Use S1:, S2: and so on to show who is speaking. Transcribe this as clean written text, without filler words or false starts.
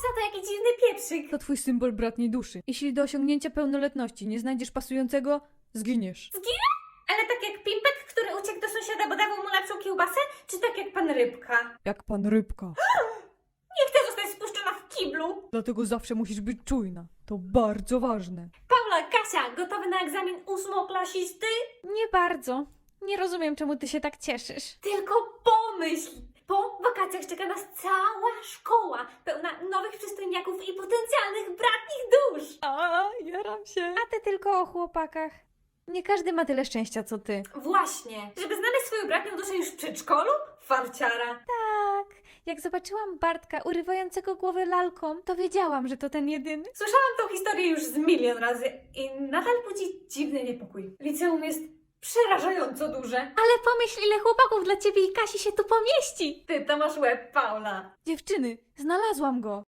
S1: Patrz na to, jaki dziwny pieprzyk.
S2: To twój symbol bratniej duszy. Jeśli do osiągnięcia pełnoletności nie znajdziesz pasującego, zginiesz.
S1: Ale tak jak Pimpek, który uciekł do sąsiada, bo dawał mu lepszą kiełbasę? Czy tak jak pan Rybka?
S2: Jak pan Rybka.
S1: Nie chcę zostać spuszczona w kiblu.
S2: Dlatego zawsze musisz być czujna. To bardzo ważne.
S1: Paula, Kasia, gotowy na egzamin ósmoklasisty?
S2: Nie bardzo. Nie rozumiem, czemu ty się tak cieszysz.
S1: Tylko pomyśl! Po wakacjach czeka nas cała szkoła, pełna nowych przystojniaków i potencjalnych bratnich dusz.
S2: A, jaram się. A ty tylko o chłopakach. Nie każdy ma tyle szczęścia, co ty.
S1: Właśnie, żeby znaleźć swoją bratnią duszę już w przedszkolu? Farciara.
S2: Tak. Jak zobaczyłam Bartka urywającego głowę lalką, to wiedziałam, że to ten jedyny.
S1: Słyszałam tą historię już z milion razy i nadal budzi dziwny niepokój. Liceum jest przerażająco duże.
S2: Ale pomyśl, ile chłopaków dla ciebie i Kasi się tu pomieści.
S1: Ty to masz łeb, Paula.
S2: Dziewczyny, znalazłam go.